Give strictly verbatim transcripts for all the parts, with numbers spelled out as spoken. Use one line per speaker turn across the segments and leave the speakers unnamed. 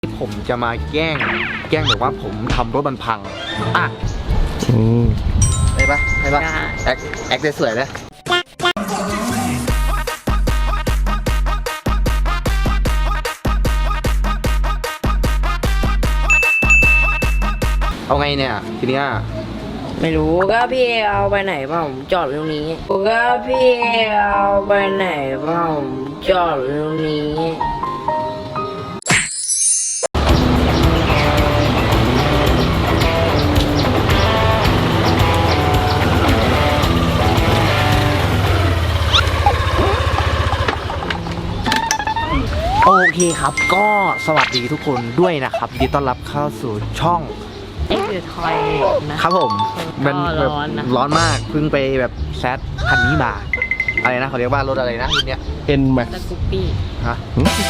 ผมจะมาแกล้งแกล้งแบบว่าผมทำรถมันพังอ่ะไปปะไปปะแอคแอคได้สวยเลยเอาไงเนี่ยทีเนี้ย
ไม่รู้ก็พี่เอาไปไหนเปล่าผมจอดตรงนี้ก็พี่เอาไปไหนเปล่าผมจอดตรงนี้
โอเคครับก็สวัสดีทุกคนด้วยนะครับยินดีต้อนรับเข้าสู่ช่อง
เอ็กซ์ทอยนะครับ
ผมมันแบบร้อนมากเพิ่งไปแบบแซดคันนี้มาอะไรนะเขาเรียกว่ารถอะไรนะรุ่นเนี้ย
เอ็นไหม
สกูปปี้
ฮะ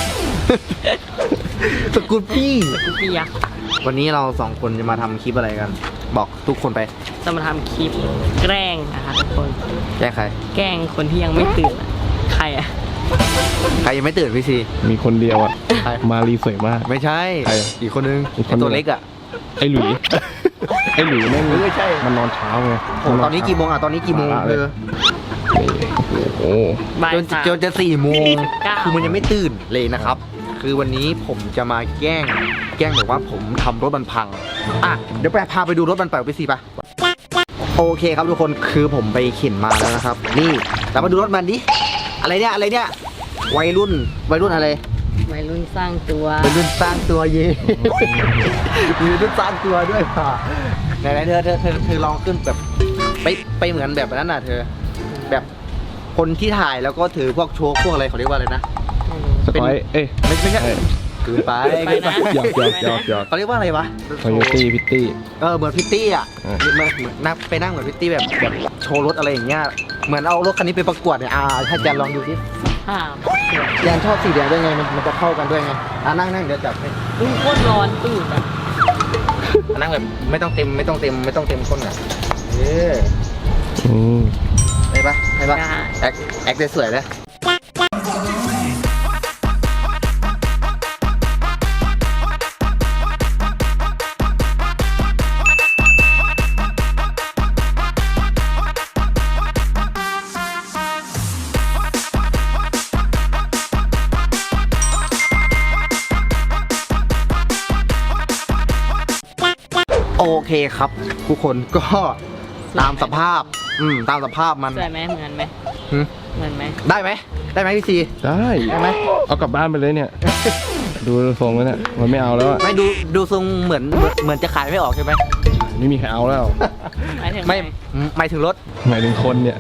สกูปปี้
สกูปปี้ยักษ์
วันนี้เราสองคนจะมาทำคลิปอะไรกันบอกทุกคนไป
จะมาทำคลิปแกล้งนะคะทุกคน
แกล้งใคร
แกล้งคนที่ยังไม่ตื่นใครอะ
ใครยังไม่ตื่นพี่ซี
มีคนเดียวอะมารีสวยมาก
ไม่ใช่อีกคนนึงตัวเล็กอะ
ไอ้หลุยไอ้หลุยแม่งไม่ใช่มันนอนเช้าไง
ตอนนี้กี่โมงอ่ะตอนนี้กี่โมงเลย
โอ้
จนจนจะสี่โมงคือมันยังไม่ตื่นเลยนะครับคือวันนี้ผมจะมาแกล้งแกล้งแบบว่าผมทำรถมันพังอ่ะเดี๋ยวไปพาไปดูรถมันไปไปสิปะโอเคครับทุกคนคือผมไปเข็นมาแล้วนะครับนี่เรามาดูรถมันดิอะไรเนี่ยอะไรเนี่ยวัยรุ่นวัยรุ่นอะไร
วัยรุ่นสร้างตัว
วัยรุ่นสร้างตัวเย่วัยรุ่นสร้างตัวด้วยค่ะไหนๆเธอเธอเธอเธอลองขึ้นแบบไปไปเหมือนแบบนั้นน่ะเธอแบบคนที่ถ่ายแล้วก็ถือพวกโชว์พวกอะไรเขาเรียกว่าอะไรนะ
สกอยเอ้ย
ไม่ไม่ใช่เกินไปเกินไป
หยอกหยอกหยอกหยอก
เขาเรียกว่าอะไรวะ
คอยตี้พิตตี้
เออเหมือนพิตตี้อ่ะเหมือนเหมือนนั่งไปนั่งเหมือนพิตตี้แบบแบบโชว์รถอะไรอย่างเงี้ยเหมือนเอารถคันนี้ไปประกวดเนี่ยอ่าถ้าแจนลองดูสิแจนชอบสีแดงด้วยไงมันมันจะเข้ากันด้วยไงอ่านั่งนั่งเดี๋ยวจับให้
อุ้ยโคตรร้อนตื่นอ่ะ
นั่งแบบไม่ต้องเต็มไม่ต้องเต็มไม่ต้องเต็มก้นอ่ะเออไปปะไปปะแอคแอคได้สวยเลยโอเคครับทุกคนก็ตามสภาพอืมตามสภาพมัน
สวยไหมเหมือนไหมเหมือนไหม
ได้ไหมได้ไหมพี่ซี
ได้
ได้ไหม
เอากลับบ้านไปเลยเนี่ยดูทรงแล้วเนี่ยมันไม่เอาแล้ว
ไม่ดูดูทรงเหมือนเหมือนจะขายไม่ออกใช่ไหม
ไม่มีใครเอาแล้ว
ไม่ไม่ถึงรถ
หมายถึงคนเนี่ย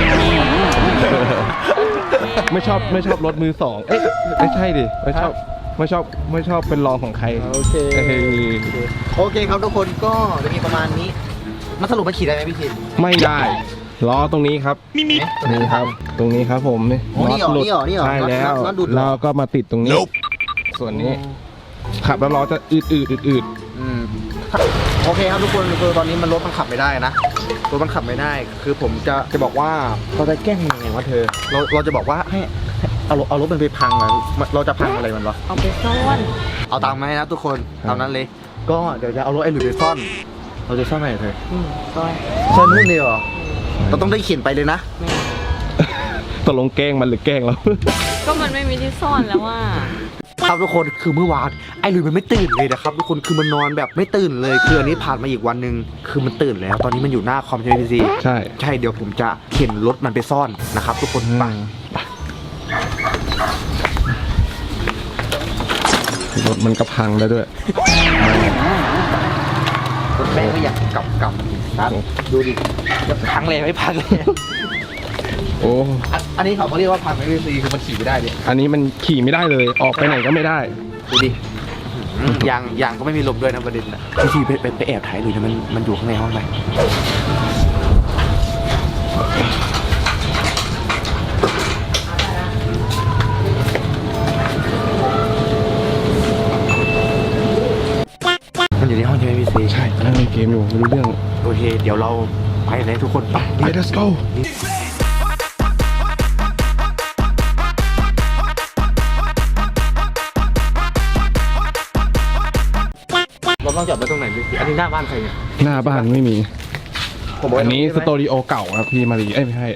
ไม่ชอบไม่ชอบรถมือสองเอ๊ะไม่ใช่ดิไม่ชอบไม่ชอบไม่ชอบเป็นรองของใคร
โอเคโอเคครับทุกคนก็จะมีประมาณนี้มันสรุปมันขี่ได้ไหมพี่ที
ไม่ได้ล้อตรงนี้ครับนี่ครับตรงนี้ครับผมนี่
น็อตหลุด
ใช่แล้วเราก็มาติดตรงนี้ส่วนนี้ขับแล้วล้อจะอืดอืดอืดอืด
โอเคครับทุกคนคือตอนนี้มันรถมันขับไม่ได้นะรถมันขับไม่ได้คือผมจะจะบอกว่าเราจะแกล้งยังไงวะเธอเราเราจะบอกว่าให้เอารถเอารถมันไปพังอ่ะเราจะพังอะไรมันวะ
เอาไปซ่อน
เอาตังค์มาให้นะทุกคนตามนั้นเลยก็เดี๋ยวจะเอารถไอ้หลุยไปซ่อนเราจะซ่อนไหนเธอ
ซ่อน
ซ่อนนู่นเลยเหรอเราต้องได้เขียนไปเลยนะ
ตกลงแกล้งมันหรือแกล้งเรา
ก็มันไม่มีที่ซ่อนแล้วว่า
ครับทุกคนคือเมื่อวานไอ้หลุยมันไม่ตื่นเลยนะครับทุกคนคือมันนอนแบบไม่ตื่นเลยคืออันนี้ผ่านมาอีกวันหนึ่งคือมันตื่นแล้วตอนนี้มันอยู่หน้าคอมใช่ไหมพี่ซี
ใช่
ใช่เดี๋ยวผมจะเข็นรถมันไปซ่อนนะครับทุกคนไป
รถมันก็พังแล้วด้วย
รถแม่ก็อยากกลับกลับครับดูดิจะพังเลยไม่พังเลย
โอ้
อันนี้เขาเรียกว่าพังไม่ได้ซีคือมันขี่ไม่ได้ดิ
อันนี้มันขี่ไม่ได้เลยออกไปไหนก็ไม่ได้
ดูดิยางยางก็ไม่มีลมด้วยนะประเด็นนะพี่ซีไปไปแอบถ่ายดูนะมันมันอยู่ข้างในห้องไหนมันอยู่ในห้องใช่ไหมพี่ซี
ใช่นั่งเล่นเกมอยู่ไม่รู้เรื่อง
โอเคเดี๋ยวเราไปเลยทุกคนไป
Let's go
ต้องจอดไว้ตรงไหนพี่อันนี้หน้าบ้านใครเนี่ย
หน้าบ้านไม่มี
ผมบอก
อันนี้ส
ตรง
ตูดิโอเก่าครับพี่มารีเอ้ยไม่ใช่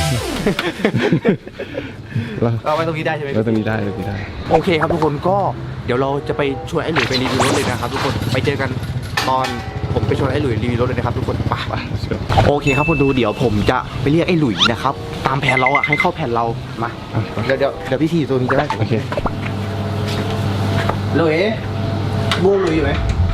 แล้ว
เอาไว้ตรงนี้ได้ใช่ไหม
แล้วตรงนี้ได้ตรงนี้ได้
โอเคครับทุกคนก็เดี๋ยวเราจะไปชวนไอ้หลุยไปรีวิวรถเลยนะครับทุกคนไปเจอกันตอนผมไปชวนไอ้หลุยรีวิวรถเลยนะครับทุกคนไปไปโอเคครับคุณดูเดี๋ยวผมจะไปเรียกไอ้หลุยนะครับตามแผนเราอ่ะให้เข้าแผนเรามา
อ่ะไป
เดี๋ยวเดี๋ยวเดี๋ยวพี่ทีอยู่ตรงนี้จะได้
โอเค
หลุยบูหลุยอยู่ไหม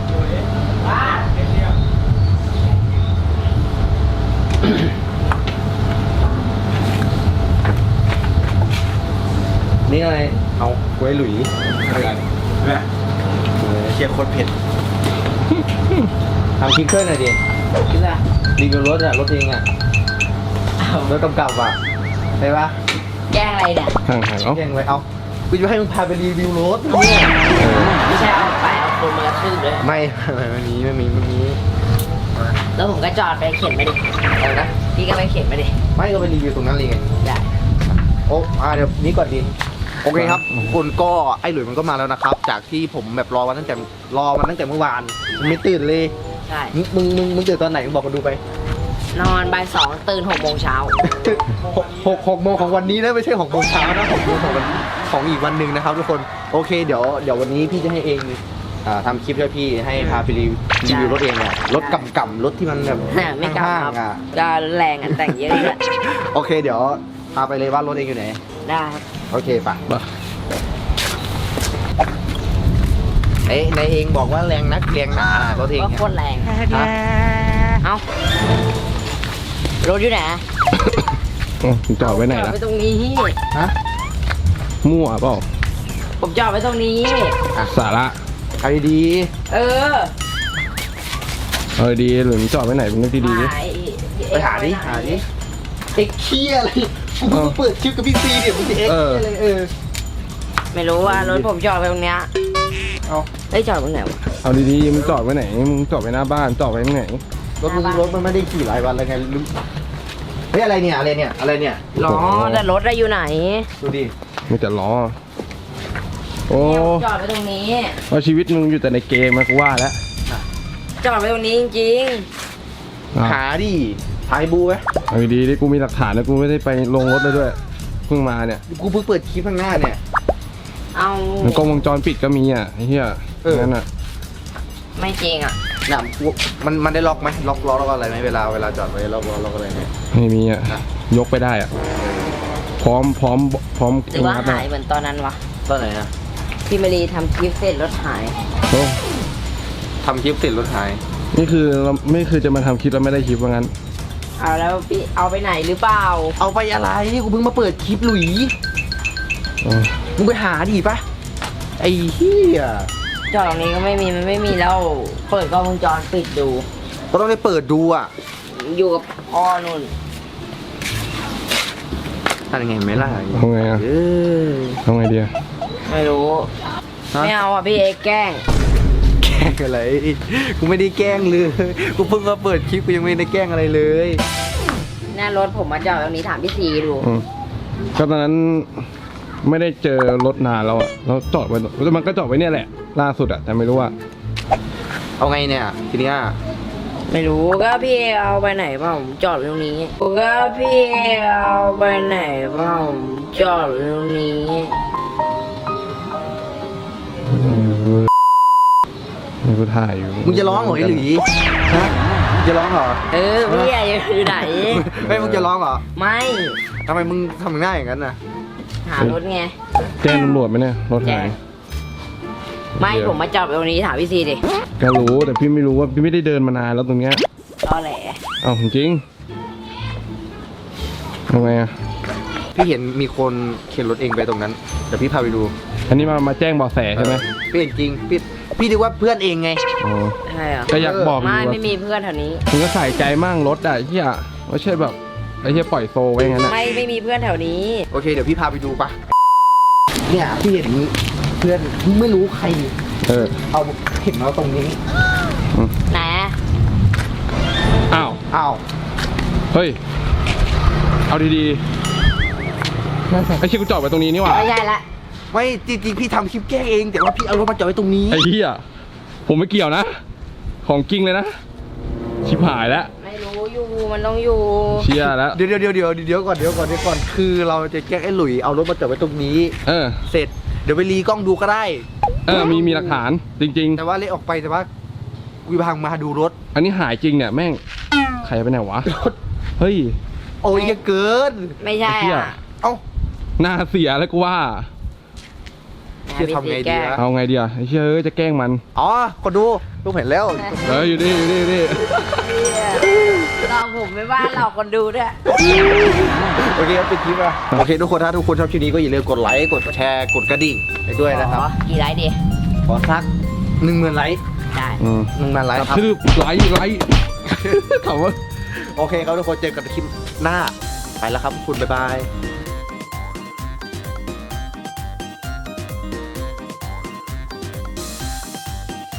นี่อะไรเอาไว้หลุยอะไรเนี่ยเชียร์โคตรเผ็ดทำคลิปเพื่อนหน่อยดิ
คิดว่า
รีวิวรถอะรถเองอะรถกำกับอะใช่ปะ
แกล้งอะไรเนี่ย
ห่างห่างๆเอ้า
แจ้งไว้เอากูจะให้มึงพาไปรีวิวรถเนี่ย
ไม่ใช่เอาไปเอาคนมากระทืบเลย
ไม่ไม่ไม่มีไม่มีไม่มี
แล้วผมก็จอดไปเข็นมาดิ
อะไรนะ
พี่ก็ไปเข็นมาดิ
ไม่ก็ไปรีวิวตรงนั้นเลยไง
ได้
โอ้อ่าเดี๋ยวนี้ก่อนดีโอเคครับคนก็ไอ้หลุยมันก็มาแล้วนะครับ จากที่ผมแบบรอวันตั้งแต่รอมันตั้งแต่เมื่อวานมันไม่ตื่นเลย
ใช่
มึงมึงมึงมึงตื่นตอนไหนมึงบอกมาดูไป
นอนบ่ายสองตื่นหกโมงเช้า
หกหกหกโมงของวันนี้นะไม่ใช่หกโมงเช้านะหกโมงของวันของอีกวันหนึ่งนะครับทุกคนโอเคเดี๋ยวเดี๋ยววันนี้พี่จะให้เองอ่าทำคลิปให้พี่ให้พาไปรีวิวรีวิวรถเองเนี่ยรถกำกำรถที่มันแบบ
ไม่กล้า
ห้าง
ครับ
ๆอ่ะ
ก็แรงอ่ะแต่งเยอะเลย
โอเคเดี๋ยวพาไปเลยว่ารถเองอยู่ไหน
ได้ครับ
โอเคปะ
มา
เอ้ยนายเองบอกว่าแรงนักแรงหนารถเอง
ก็
เนี่ย
โคตรแรง
ฮะ
เอ้า รถอยู่ไหน
อ๋อมึงจอดไว้ไหน
จอด
ล่ะ
ไว้ตรงนี้
ฮะ
มั่วเปล่า
ผมจอดไว้ตรงนี้
สาระ
ใครดี
เออ
เออดีหรือมึงจอดไว้ไหนมึงนึกดีๆดิ
หาย
ไปหาดิหาดิไอ้เคี้ยอะไรกูเพิ่งมาเปิดคลิปกับพี่ซีเนี่ยมึงจะเอ็กซ์
เออ
อะไรเออ
ไม่รู้ว่ารถผมจอดไว้ตรงเนี้ย
เอา
เอ้ยจอดตรงไหนวะ
เอาดีๆมึงจอดไว้ไหนมึงจอดไว้หน้าบ้านจอดไว้ตรงไหน
รถมึงรถมันไม่ได้ขี่หลายวันแล้วไงลืมเฮ้ยอะไรเนี่ยอะไรเนี่ยอะไรเนี่ย
ล้อแต่รถอะอยู่ไหน
ดูดิ
มีแต่ล้อโอ้
เนี่ยผมจอดไว้ตรงนี้
ว่าชีวิตมึงอยู่แต่ในเกมมากูว่าแล้ว
จอดไว้ตรงนี้จริง
อ่ะ
หาดิถ่ายบูไหม
เอาดีๆดิกูมีหลักฐานนะกูไม่ได้ไปลงรถเลยด้วยเพิ่งมาเนี่ย
กูเพิ่งเปิดคลิปข้างหน้าเนี่ย
ๆเอา
มันกล้องวงจรปิดก็มีอ่ะไอ้เหี้ย
เออ
นั่นอ่ะ
ไม่จริงอ่ะ
น่ะกูมันมันได้ล็อกไหมล็อกล้อล็อกอะไรไหมเวลาเวลาจอดไว้ล็อกล้อล็อกอะไรไหม
ไม่มีอ่ะยกไปได้อ่ะพร้อมพร้อมพร้อม
หรือว่า
งัด
หายเหมือนตอนนั้นวะ
ตอนไหนนะ
พี่มารีทำคลิปเสร็จรถหาย
โอ้
ทำคลิปติดรถหาย
นี่คือเราไม่คือจะมาทำคลิปแล้วไม่ได้คลิปว่างั้น
เอาแล้วพี่เอาไปไหนหรือเปล่า
เอาไปอะไรกูเพิ่งมาเปิดคลิปหลุย
อ๋อ
มึงไปหาดิปะไอ้เหี้ย
จอดตรงนี้ก็ไม่มีมันไม่มีแล้ว เปิดกล้องวงจรปิดดู
ก็ต้องได้เปิดดูอ่ะ
อยู่กับพ่อนุ่น
ทำยังไงไหมล่ะ
ทำไงอ่ะ
เออ
ทำไงดีอ่ะ
ไม่รู้
ฮะ
ไม่เอาอ่ะพี่เอกแกล้ง
แกล้งอะไรกูไม่ได้แกล้งเลยกูเพิ่งมาเปิดคลิปกูยังไม่ได้แกล้งอะไรเลย
หน้ารถผมมาจอดตรงนี้ถามพี่ซีดู
อืมก็ตอนนั้นไม่ได้เจอรถนานแล้วอ่ะแล้วจอดไว้แล้วมันก็จอดไว้เนี่ยแหละ ล่าสุดอ่ะแต่ไม่รู้ว่า
เอาไงเนี่ยทีเนี้ย
ไม่รู้ก็พี่เอาไปไหนเปล่าผมจอดตรงนี้ก็พี่เอาไปไหนเปล่าผมจอดตรงนี้
ไม่รู้ถ่ายอยู่
มึงจะร้องเหรอไอ้หลุยฮะมึงจะร้องเหรอ
เออพี่อะอยู่ไหน
ไม่มึงจะร้องเหรอ
ไม่
ทำไมมึงทำหน้าอย่างนั้นน่ะ
หารถไง
แจ้งตำรวจไหมเนี่ยรถหาย
ไม่
เดี๋ยว
ผมมาจอดตรงนี้ถามพี่ซีดิ
ก็รู้แต่พี่ไม่รู้ว่าพี่ไม่ได้เดินมานานแล้วตรงเนี้ย
ตอแหล
เอ้าจริงทำไงอ่ะ
พี่เห็นมีคนเข็นรถเองไปตรงนั้นเดี๋ยวพี่พาไปดู
อันนี้มามาแจ้งเบาะแสใช่ไหม
พี่เห็นจริงพี่พี่นึกว่าเพื่อนเองไง
อ๋อ
ใช่เหรอ
ก็อยากบอกอยู่
ไม่
ว่า
ไม่มีเพื่อนแถวนี้
มึงก็ใส่ใจมั่งรถอ่ะเฮียไม่ใช่แบบไอ้เฮียปล่อยโซไว้งั้นอ่ะ
ไม่ไม่มีเพื่อนแถวนี้
โอเคเดี๋ยวพี่พาไปดูปะเนี่ยพี่เห็นเพื่อนไม่รู้ใคร
เออ
เอาเห็นมาตรงนี้
ไหน
อ้าว
อ้าว
เฮ้ยเอาดีๆไอ้เชี่ยกูจอดไว้ตรงนี้นี่หว่า
ไม่ใช่ละ
ไม่จริงๆพี่ทำคลิปแกล้งเอง แต่ว่าพี่เอารถมาจอดไว้ตรงนี้
ไอ้เฮียผมไม่เกี่ยวนะของจริงเลยนะชิบหายแล้ว
ไม่รู้อยู่มันต้องอยู่
เชียร์แล้ว
เดี๋ยวเดี๋ยวเดี๋ยวเดี๋ยวก่อนเดี๋ยวก่อนเดี๋ยวก่อนคือเราจะแกล้งไอ้หลุยเอารถมาจอดไว้ตรงนี้
เออ
เสร็จเดี๋ยวไปรีกล้องดูก็ได้
เออมีมีหลักฐานจริง
แต่ว่าเละออกไปแต่ว่าวิพังมาดูรถ
ๆ อันนี้หายจริงเนี่ยแม่งใครไปไหนวะเฮ้ย
โอ้ยเยอะเกิน
ไม่ใช่
ไอ้เหี้ย
อ่ะ
เอ้า
หน้าเสียแล้วกูว่า
เชี่ยทำไงดีวะ
เอาไงดีอ่ะไอ้เชี่ยเอ้ยจะแกล้งมัน
อ๋อคนดูลูกเห็นแล้ว
เอออยู่นี่อยู่นี่อยู่นี่
เราผมไม่ว่าเราคนดูด้วย
โอเคครับปิดคลิปอ่ะโอเคทุกคนถ้าทุกคนชอบคลิปนี้ก็อย่าลืมกดไลค์กดแชร์กดกระดิ่งไปด้วยนะครับ
ขอกี่ไลค์ดี
ขอสักหนึ่งหมื่นไลค์
ได้
อืม
หนึ่งหมื่นไลค์
กระ
ครับ
ทืบไลค์ไลค์ถามว่า
โอเคครับทุกคนเจอกันคลิปหน้าไปแล้วครับคุณบ๊ายบาย